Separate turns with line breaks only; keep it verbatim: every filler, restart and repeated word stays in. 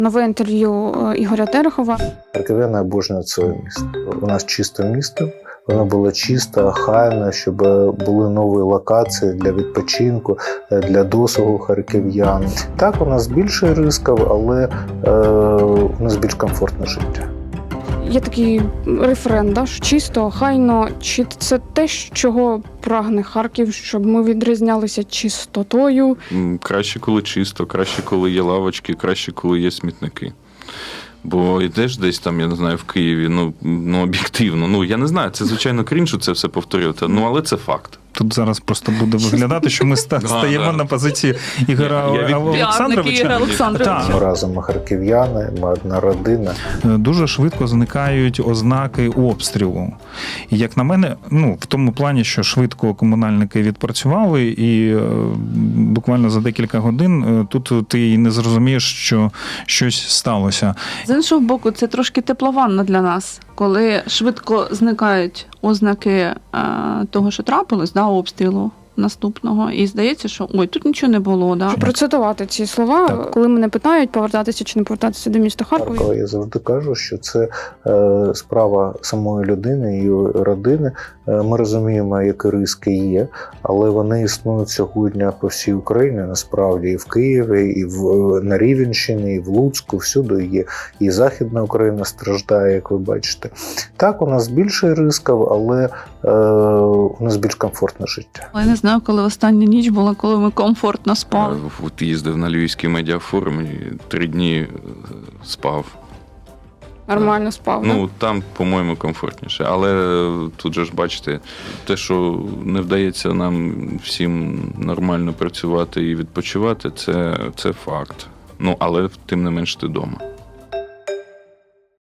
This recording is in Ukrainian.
Нове інтерв'ю Ігоря Терехова.
Харків'яни обожнюють своє місто. У нас чисте місто, воно було чисте, охайне, щоб були нові локації для відпочинку, для досугу харків'ян. Так, у нас більше ризиків, але е, у нас більш комфортне життя.
Є такий рефрен, да, що чисто, охайно. Чи це те, чого прагне Харків, щоб ми відрізнялися чистотою?
Краще, коли чисто, краще, коли є лавочки, краще, коли є смітники. Бо йдеш десь там, я не знаю, в Києві, ну, ну об'єктивно, ну я не знаю, це звичайно крінж це все повторювати, ну але це факт.
Тут зараз просто буде виглядати, що ми стаємо на позиції Ігора Олександровича.
Ми разом ми харків'яни, ми одна родина.
Дуже швидко зникають ознаки обстрілу. І як на мене, ну, в тому плані, що швидко комунальники відпрацювали, і буквально за декілька годин тут ти і не зрозумієш, що щось сталося.
З іншого боку, це трошки теплованно для нас, коли швидко зникають ознаки е, того, що трапилось, да, обстрілу наступного. І здається, що ой, тут нічого не було. Да?
Процитувати ці слова,
так.
Коли мене питають, повертатися чи не повертатися до міста Харкова.
Харкова, я завжди кажу, що це е, справа самої людини, її родини. Е, ми розуміємо, які ризики є, але вони існують сьогодні по всій Україні, насправді, і в Києві, і в, на Рівненщині, і в Луцьку, всюди є. І Західна Україна страждає, як ви бачите. Так, у нас більше ризиків, але е, у нас більш комфортне життя.
Я не знаю, коли остання ніч була, коли ми комфортно спали.
От їздив на Львівський медіафорум і три дні спав.
Нормально спав,
Ну,
да?
там, по-моєму, комфортніше. Але тут же ж, бачите, те, що не вдається нам всім нормально працювати і відпочивати, це, це факт. Ну, але тим не менш ти вдома.